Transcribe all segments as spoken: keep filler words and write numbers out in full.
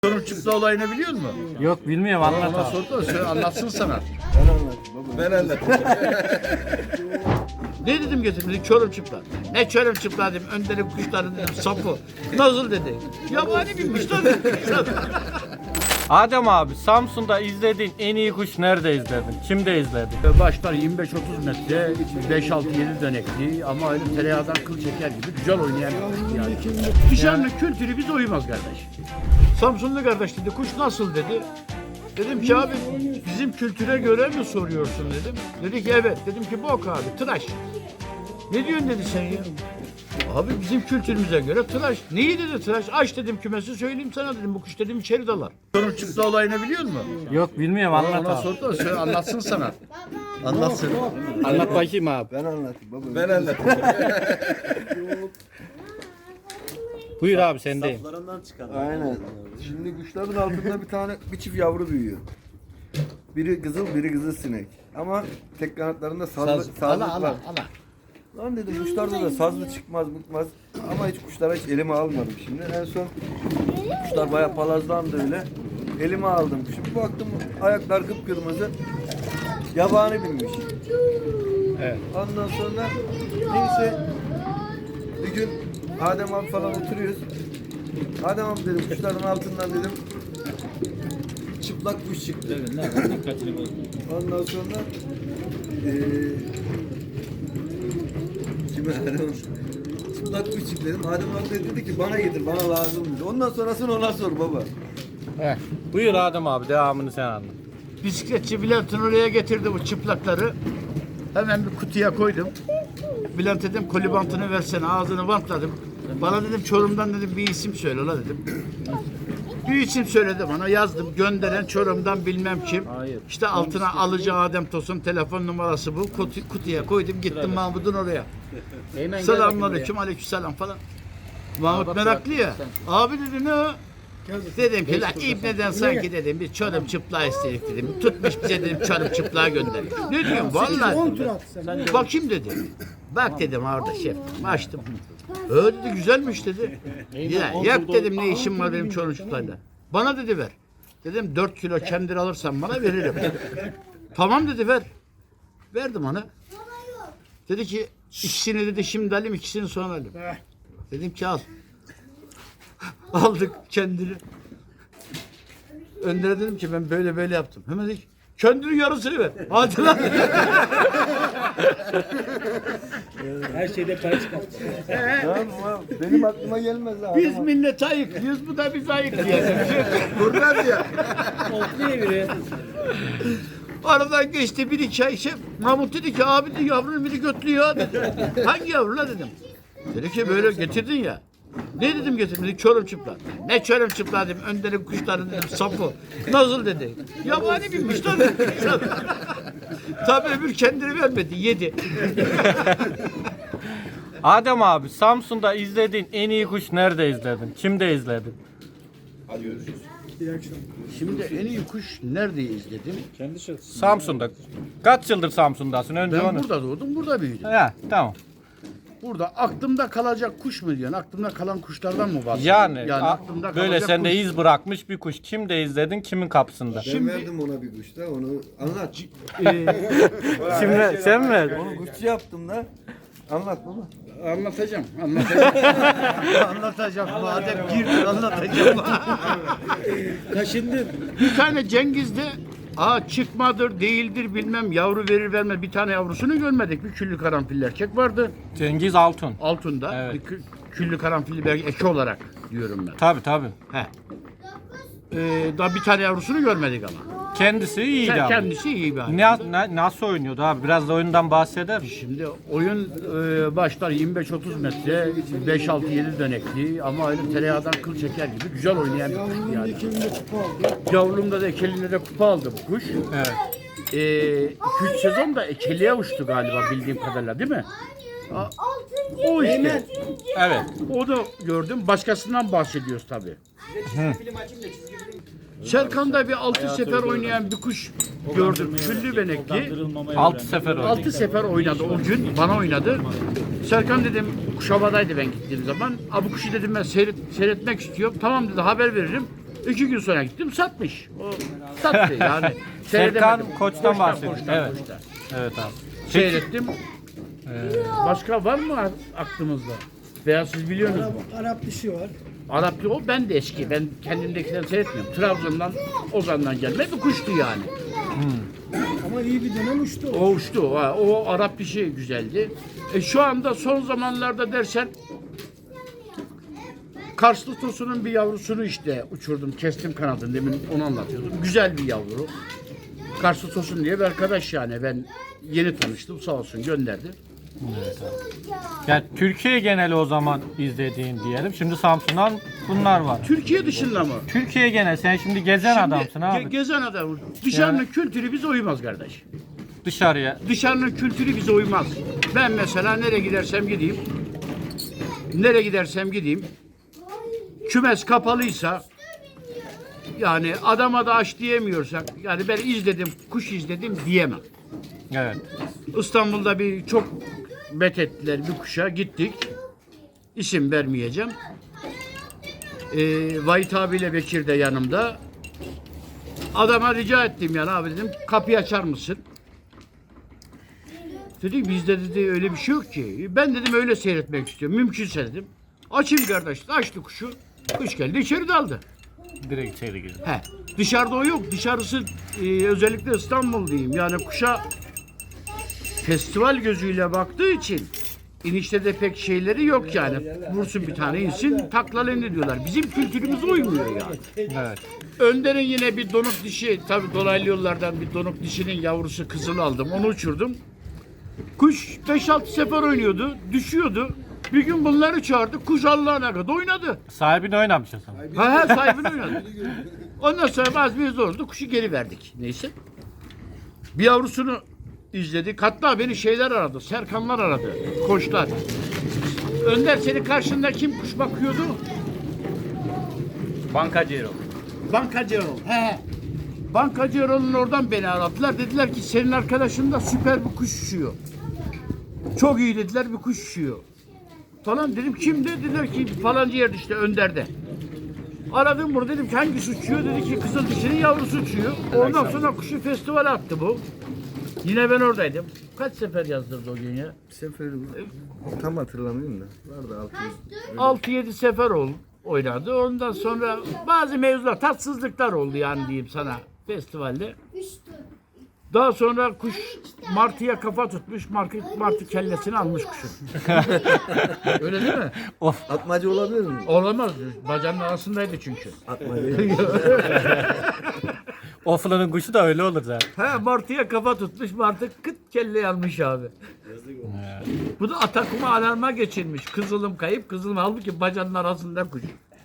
Çorum çıktı olayını biliyor musun? Yok bilmiyorum, anlat Ona abi. sordu da söyle, anlatsın sana. Ben anlatayım baba. Ben anlatayım. Ne dedim getirdim? Çorum çıplak. Ne çorum çıplak dedim. Önderi kuşları dedim sapı. Nasıl dedi? Yabani binmiş lan dedi. Adem abi, Samsun'da izlediğin en iyi kuş nerede izledin? Kimde izledin? Başlar yirmi beş otuz metre, beş altı yedi dönekli ama öyle tereyağdan kıl çeker gibi güzel oynayan bir kuş yani. Dışarının kültürü bize uymaz kardeş. Samsunlu kardeş dedi, kuş nasıl dedi. Dedim ki abi bizim kültüre göre mi soruyorsun dedim. Dedi ki evet. Dedim ki bok abi tıraş. Ne diyorsun dedi sen ya. Abi bizim kültürümüze göre tıraş. Neyi dedi tıraş? Aç dedim kümesi söyleyeyim sana dedim. Bu kuş dedim içeri dalar. Çorum çıktı olayını biliyor musun? Yok bilmiyorum, anlat Ona abi. sordu da söyle, anlatsın sana. Anlatsın. Anlat bakayım abi. Ben anlatayım baba. Ben anlatayım. Buyur abi, sendeyim. Aynen. Şimdi kuşların altında bir tane bir çift yavru büyüyor. Biri kızıl, biri kızıl sinek. Ama tek kanatlarında sazlı, sazlık Ala var. ala ala. Lan dedim kuşlarda da sazlı çıkmaz mıkmaz. Ama hiç kuşlara hiç elime almadım şimdi. En son kuşlar bayağı palazlandı öyle. Elime aldım. Şimdi baktım ayaklar kıpkırmızı. Yabani binmiş. Evet. Ondan sonra neyse bir gün Adem abi falan oturuyoruz. Adem abi dedim kuşların altından dedim çıplak kuş çıktı. Ondan sonra eee kime Adem abi? Çıplak kuş çıktı dedim. Adem abi de dedi ki bana getir, bana lazım dedi. Ondan sonrasını ona sor baba. Heh. Buyur Adem abi, devamını sen anlat. Bisikletçi Bülent'in oraya getirdi bu çıplakları. Hemen bir kutuya koydum. Bülent dedim koli bantını versene, ağzını bantladım. Bana dedim Çorum'dan dedim bir isim söyle la dedim. Bir isim söyledi bana, yazdım. Gönderen Çorum'dan bilmem kim. İşte altına alıcı Adem Tosun telefon numarası bu. Kutu, kutuya koydum, gittim Mahmut'un oraya. Selamünaleyküm, aleykümselam falan. Mahmut meraklı ya. Abi dedi ne o? Dedim ki la İbne'den sanki dedim bir Çorum çıplağı istedik dedim. Tutmuş bize dedim Çorum çıplağı gönderdik. Ne diyorsun vallahi. Bakayım dedi. Bak dedim orada şef. Açtım. Öyle dedi güzelmiş dedi. Ya yok dedim ne işim var benim Çorum çıplağıyla. Bana dedi ver. Dedim dört kilo kendir alırsan bana veririm. Tamam dedi ver. Verdim ona. Dedi ki ikisini dedi şimdi alayım ikisini sonra alayım. Dedim ki al. Aldık kendini. Önder'e dedim ki ben böyle böyle yaptım. Hemen dedi ki kendini yarısını ver. Hadi lan. Her şeyde para çıkarttı. Tamam, benim aklıma gelmez abi. Biz milleti ayıklıyoruz, bu da biz ayıklıyoruz. Buradan ya. Otluya biri. Aradan geçti bir iki ay şey. Mahmut dedi ki abi dedi yavrunun biri götlüyor dedi. Hangi yavru la dedim. Dedi ki böyle getirdin ya. Ne dedim getirdim dedi Çorum çıplak. Ne Çorum çıplak dedim. Önderi kuşları dedim sapı. Nasıl dedi. Yabani binmiş lan dedi. Tabii öbür kendini vermedi yedi. Adem abi, Samsun'da izlediğin en iyi kuş nerede izledin? Kimde izledin? Şimdi en iyi kuş nerede izledim? Samsun'da. Kaç yıldır Samsun'dasın? Önce Ben onu. burada doğdum, burada büyüdüm. Ya tamam. Burada aklımda kalacak kuş mu diyorsun? Aklımda kalan kuşlardan mı bahsediyorsun? Yani, a- aklımda böyle kalacak sende kuş. iz bırakmış bir kuş. Kimde izledin? Kimin kapısında? Ben Şimdi- verdim ona bir kuş da onu anlat. Şimdi sen mi? Onu kuşçu yaptım da. Anlat baba. Anlatacağım, anlatacağım. anlatacağım, madem girdin anlatacağım. Kaşındım. Bir tane Cengiz'de aa çıkmadır, değildir bilmem yavru verir vermez bir tane yavrusunu görmedik. Bir küllü karanfilli erkek vardı Cengiz Altun. altında. Evet. Bir kü- küllü karanfilli bir eki olarak diyorum ben. Tabii tabii. He. Ee, daha bir tane yavrusunu görmedik ama. Kendisi iyiydi Sen abi. kendisi iyi bir hayvan. Ne, ne- nasıl oynuyordu abi? Biraz da oyundan bahseder misin? Şimdi oyun e, başlar yirmi beş otuz metre, beş altı yedi dönekli ama öyle tereyağdan kıl çeker gibi güzel oynayan bir kuş yani. Yavrumda da ekelinde de kupa aldı bu kuş. Evet. iki üç sezon da ekeliğe uçtu galiba bildiğim kadarıyla değil mi? A- O işte. Evet. O da gördüm. Başkasından bahsediyoruz tabii. Serkan'da bir altı sefer oynayan bir kuş gördüm. Küllü benekli. Altı sefer oynadı. Altı sefer oynadı o gün. Bana oynadı. Serkan dedim kuş havadaydı ben gittiğim zaman. Abi kuşu dedim ben seyret, seyretmek istiyorum. Tamam dedi haber veririm. İki gün sonra gittim satmış. O sattı yani. Serkan Seyredemedim. Koç'tan bahsediyor. koçtan, Evet. koçtan. Evet abi. Seyrettim. Başka var mı aklımızda? Veya siz biliyorsunuz mu? Arap dişi var. Araplı o ben de eski. Ben kendimdekinden seyretmiyorum. Trabzon'dan, Ozan'dan gelme bir kuştu yani. Ama iyi bir dönem uçtu. O uçtu. O, o Arap dişi güzeldi. E, şu anda son zamanlarda dersen Karslı tosunun bir yavrusunu işte uçurdum. Kestim kanadını. Demin onu anlatıyordum. Güzel bir yavru. Karslı tosun diye bir arkadaş yani. Ben yeni tanıştım. Sağ olsun gönderdi. Yani Türkiye geneli o zaman izlediğin diyelim. Şimdi Samsun'dan bunlar var. Türkiye dışında mı? Türkiye genel. Sen şimdi gezen Şimdi adamsın abi. ge- gezen adamım. Dışarının Yani- kültürü bize uymaz kardeş. Dışarıya. Dışarının kültürü bize uymaz. Ben mesela nereye gidersem gideyim, nereye gidersem gideyim, kümes kapalıysa, yani adama da aç diyemiyorsak, yani ben izledim, kuş izledim diyemem. Evet. İstanbul'da bir çok methettiler bir kuşa gittik. İsim vermeyeceğim. Ee, Vahit abiyle Bekir de yanımda. Adama rica ettim yani abi dedim kapıyı açar mısın? Dedi bizde dedi öyle bir şey yok ki. Ben dedim öyle seyretmek istiyorum. Mümkünse dedim. Açayım kardeş. Açtı kuşu. Kuş geldi içeri daldı. Direkt içeri girdi. He. Dışarıda o yok. Dışarısı e, özellikle İstanbul diyeyim. Yani kuşa festival gözüyle baktığı için inişte de pek şeyleri yok yani. Vursun bir tane insin taklalarını diyorlar. Bizim kültürümüze uymuyor yani. Evet. Önder'in yine bir donuk dişi, tabii dolaylı yollardan bir donuk dişinin yavrusu kızıl aldım. Onu uçurdum. Kuş beş altı sefer oynuyordu, düşüyordu. Bir gün bunları çağırdı, kuş Allah'ına kadar oynadı. Sahibini oynamış o zaman. Ha ha sahibini oynadı. Ondan sonra bazı bir oldu, kuşu geri verdik. Neyse. Bir yavrusunu izledik. Hatta beni şeyler aradı, Serkanlar aradı, koçlar. Önder senin karşında kim kuş bakıyordu? Bankacı Erol. Bankacı Erol. He he. Bankacı Erol'un oradan beni aradılar. Dediler ki senin arkadaşın da süper bir kuş uçuyor. Çok iyi dediler bir kuş uçuyor. Falan dedim kimdi? Dediler ki falanca yerde işte Önder'de. Aradım bunu dedim ki hangisi uçuyor? Dedi ki kızıl dişinin yavrusu uçuyor. Ondan sonra kuşu festivale attı bu. Yine ben oradaydım. Kaç sefer yazdırdı o gün ya? Bir sefer tam hatırlamıyorum da. Vardı altı yüz. altı yedi sefer oldu, oynadı. Ondan sonra bazı mevzular, tatsızlıklar oldu yani diyeyim sana festivalde. Daha sonra kuş martıya kafa tutmuş, martı, martı kellesini almış kuşun. Öyle değil mi? Atmaca olabilir mi? Olamaz. Bacağının arasındaydı çünkü. Atmaca. Oflanın kuşu da öyle olur zaten. He, martıya kafa tutmuş, martı kıt kelleyi almış abi. Bu da atakuma alarma geçirmiş. Kızılım kayıp, kızılım halbuki bacağının arasında kuş.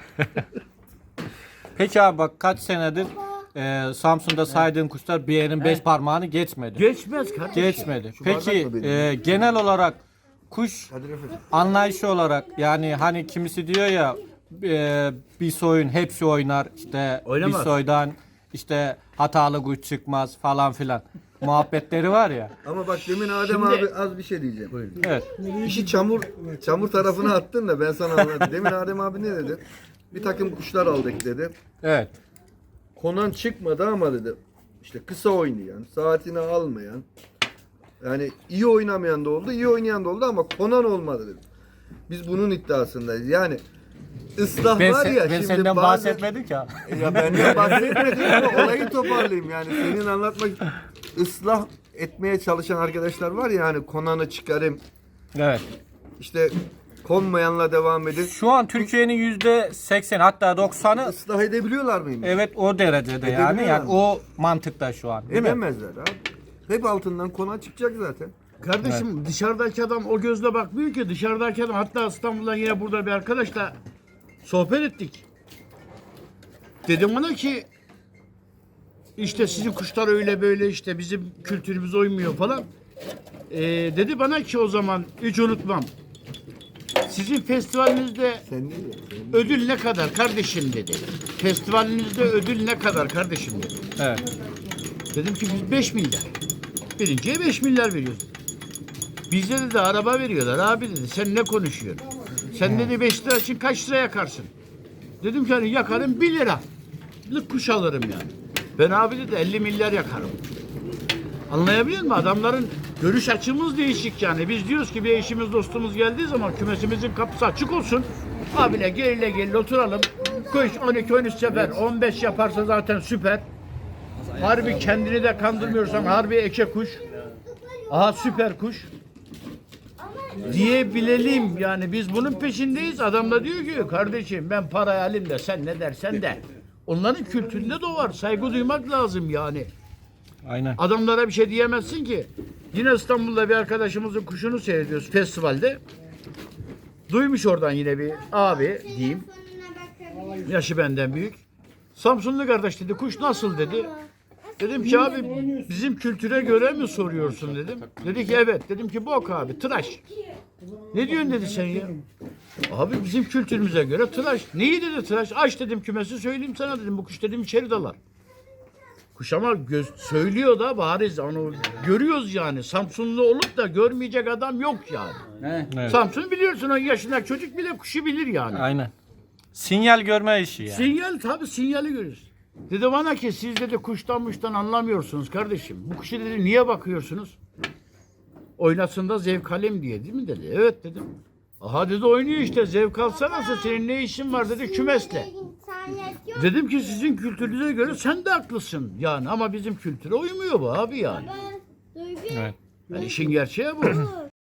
Peki abi bak kaç senedir e, Samsun'da saydığın kuşlar bir yerin beş parmağını geçmedi. Geçmez kardeşim. Geçmedi. Peki bardak mı benim? e, genel olarak kuş Hadi Refet. anlayışı olarak yani hani kimisi diyor ya e, bir soyun hepsi oynar işte Oynamaz. bir soydan işte hatalı kuş çıkmaz falan filan muhabbetleri var ya. Ama bak demin Adem Şimdi- abi az bir şey diyeceğim. Evet. İşi çamur çamur tarafına attın da ben sana anlatayım. Demin Adem abi ne dedi? Bir takım kuşlar aldık dedi. Evet. Konan çıkmadı ama dedi. İşte kısa oynayan, saatini almayan, yani iyi oynamayan da oldu, iyi oynayan da oldu ama konan olmadı dedi. Biz bunun iddiasındayız. Yani ıslah Ben, var sen- ya ben şimdi senden bazen- bahsetmedim ki abi. Ya benden bahsetmedim ama olayı toparlayayım yani. Senin anlatmak ıslah etmeye çalışan arkadaşlar var ya hani konanı çıkarayım Evet. işte konmayanla devam edin. Şu an Türkiye'nin yüzde seksen hatta doksanı Islah edebiliyorlar mıyım? evet o derecede yani. Edebiliyor Yani mu? o mantıkta şu an. Değil mi? Edemezler abi. Hep altından konan çıkacak zaten. Kardeşim dışarıdaki adam o gözle bakmıyor ki. Dışarıdaki adam, hatta İstanbul'dan yine burada bir arkadaşla sohbet ettik. Dedim ona ki işte sizin kuşlar öyle böyle, işte bizim kültürümüz uymuyor falan. Ee, dedi bana ki o zaman hiç unutmam. Sizin festivalinizde Sen değil ya. ödül ne kadar kardeşim dedi. Festivalinizde ödül ne kadar kardeşim dedi. Evet. Dedim ki biz beş milyar. Birinciye beş milyar veriyoruz. Bizde dedi araba veriyorlar abi dedi. Sen ne konuşuyorsun? Sen dedi beş lira için kaç lira yakarsın? Dedim ki hani yakarım bir lira. kuş alırım yani. Ben abi dedi elli milyar yakarım. Anlayabiliyor musun? Adamların görüş açımız değişik yani. Biz diyoruz ki bir eşimiz dostumuz geldiği zaman kümesimizin kapısı açık olsun. Abiyle gel gel oturalım. Kuş on iki on üç sefer on beş yaparsa zaten süper. Harbi kendini de kandırmıyorsan harbi eke kuş. Aha süper kuş. Diyebilelim yani biz bunun peşindeyiz. Adam da diyor ki kardeşim ben parayı alayım da sen ne dersen de. Onların kültüründe de o var. Saygı duymak lazım yani. Aynen. Adamlara bir şey diyemezsin ki. Yine İstanbul'da bir arkadaşımızın kuşunu seyrediyoruz festivalde. Duymuş oradan yine bir abi diyeyim. Yaşı benden büyük. Samsunlu kardeş dedi kuş nasıl dedi. Dedim ki abi bizim kültüre göre mi soruyorsun dedim. Dedi ki evet. Dedim ki bok abi tıraş. Ne diyorsun dedi sen ya. Abi bizim kültürümüze göre tıraş. Neyi dedi tıraş? Aç dedim kümesi söyleyeyim sana dedim. Bu kuş dedim içeri dalar. Kuş ama göz, söylüyor da bariz onu görüyoruz yani. Samsunlu olup da görmeyecek adam yok yani. Evet. Samsun biliyorsun on yaşındaki çocuk bile kuşu bilir yani. Aynen. Sinyal görme işi yani. Sinyal tabii sinyali görüyoruz. Dedi bana ki siz dedi kuştan muştan anlamıyorsunuz kardeşim. Bu kuşu dedi niye bakıyorsunuz? Oynasın da zevk alayım diye değil mi dedi. Evet dedim. Aha dedi oynuyor işte zevk alsana senin ne işin var dedi kümesle. Dedim ki sizin kültürünüze göre sen de haklısın yani ama bizim kültüre uymuyor bu abi yani. Evet. Yani işin gerçeği bu.